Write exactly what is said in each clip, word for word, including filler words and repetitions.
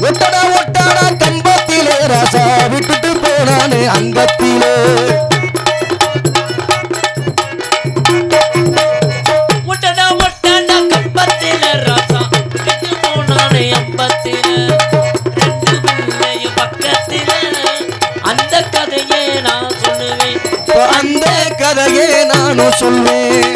ஒட்டடா ஒட்டடா கம்பத்திலே ராசா விட்டுட்டு போனானே அங்கத்திலே ஒட்டடா ஒட்டடா கம்பத்திலே ராசா விட்டுட்டு போனானே அம்பத்திலே ரெண்டு பிள்ளையும் பக்கத்திலே அந்த கதையே நான் சொல்லுவேன் அந்த கதையே நானும் சொல்வேன்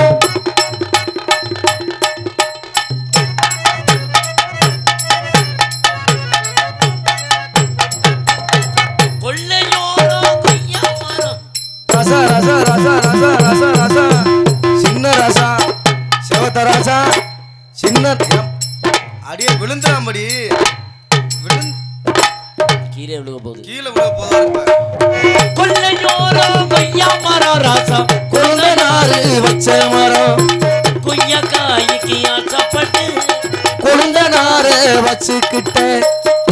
ரசா ரசா ரசா ரசா ரசா ரசா சின்ன ரசா செவத்த ரசா சின்ன அடியே விழுந்துடாமடி விழுந்து கீழே விழுக போகுது கீழே விழுக போதா கொல்லையோரோ கொய்யா மரம் ராசா கொழுந்த நாறு வச்ச மரம் கொய்யா காய்க்கு ஆசைப்பட்டு கொழுந்த நாறு வச்சுக்கிட்டேன்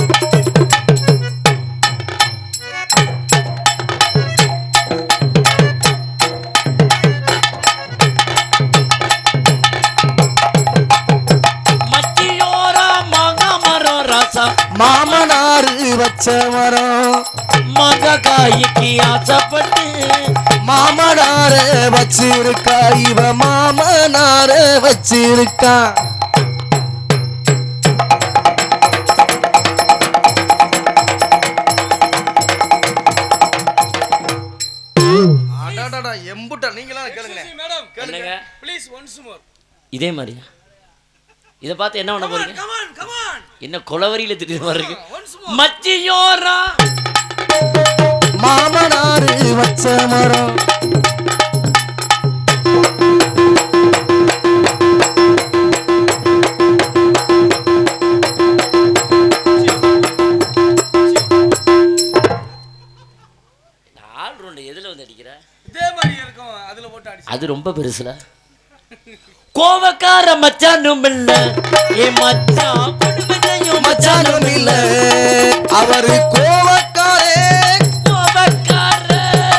மாமனாரு வச்ச மரம் மக காய்க்கு ஆசைப்பட்டு மாமனார வச்சிருக்கா இவ மாமனார வச்சிருக்கா எம்புட்டா நீங்களாம் கேளுங்க மேடம் கேளுங்க ப்ளீஸ் ஒன்ஸ் மோர் இதே மாதிரியா இத பார்த்து என்ன பண்ண போறீங்க என்ன கொலவரியில திடீர்னு வர்றீங்க மச்சியோரா மாமனாரு வச்ச மரம் நாலு ரவுண்ட் எதுல வந்து அடிக்கிற இதே மாதிரி இருக்கும் அதுல போட்டு அடி அது ரொம்ப பெருசுல கோவக்கார மச்சானும் இல்ல ஏ மச்சான் குடும்பத்தையும் மச்சானும் இல்ல அவரு கோவக்காரே கோவக்கார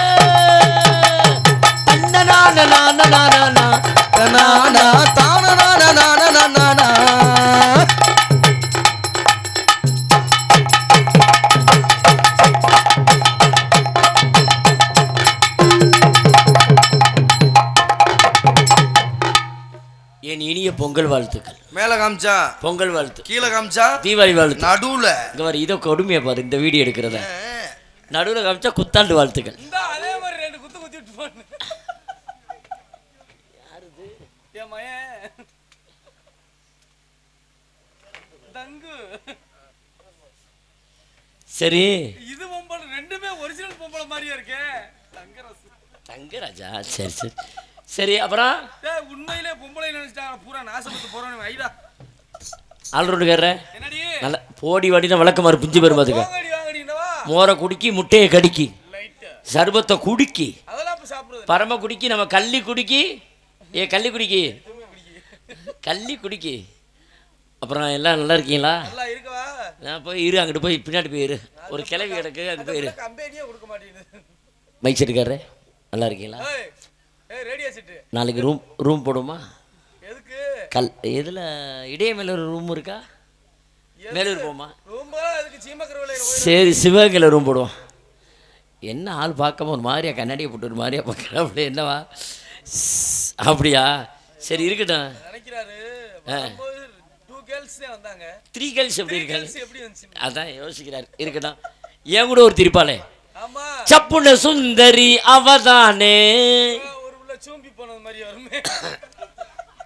அண்ணனான நான நானா நானா தான நான நான நானா என் இனிய பொங்கல் வாழ்த்துக்கள் மேல காமிச்சா பொங்கல் வாழ்த்து கீழே காமிச்சா தீபாவளி வாழ்த்து நடுவுல இங்க வர இதோ கொடுமையா பாரு இந்த வீடியோ எடுக்கிறத நடுவுல காமிச்சா குத்தாண்டு வாழ்த்துக்கள் அதே மாதிரி ரெண்டு குத்து குத்தி விட்டு போன யாருது என் மயன் தங்கு சரி இது பொம்பளை ரெண்டுமே ஒரிஜினல் பொம்பளை மாதிரியே இருக்கே தங்கராஜ் தங்கராஜா சரி சரி சரி அப்புறம் உண்மையிலே பொம்பளை நினைச்சிட்டாங்க பூரா நாசப்பட்டு போறோம் ஐடா ஆல்ரவுண்டுக்கார என்னடி நல்ல போடி வாடினா விளக்கமாறு பிஞ்சு பெரும் பாத்துக்க மோரை குடிக்கி முட்டையை கடிக்கி சர்பத்தை குடிக்கி பரம குடிக்கி நம்ம கள்ளி குடிக்கி ஏ கள்ளி குடிக்கி கள்ளி குடிக்கி அப்புறம் எல்லாம் நல்லா இருக்கீங்களா நான் போய் இரு அங்கிட்டு போய் பின்னாடி போயிரு ஒரு கிளவி கிடக்கு அங்கே போயிரு மைக் செட்டுக்காரரு நல்லா இருக்கீங்களா நாளைக்கு ரூம் ரூம் போடுமா கல் எதில் இடையே மேல ஒரு ரூம் இருக்கா மேலூர் போமா சரி சிவகங்கையில் ரூம் போடுவோம் என்ன ஆள் பார்க்காம ஒரு மாதிரியா கண்ணாடியை போட்டு ஒரு மாதிரியா பார்க்குற அப்படி என்னவா அப்படியா சரி இருக்கட்டும் த்ரீ கேர்ள்ஸ் எப்படி இருக்காங்க அதான் யோசிக்கிறார் இருக்கட்டும் ஏன் கூட ஒரு திருப்பாளே சப்புன சுந்தரி அவதானே சூம்பி போனது மாதிரி வருமே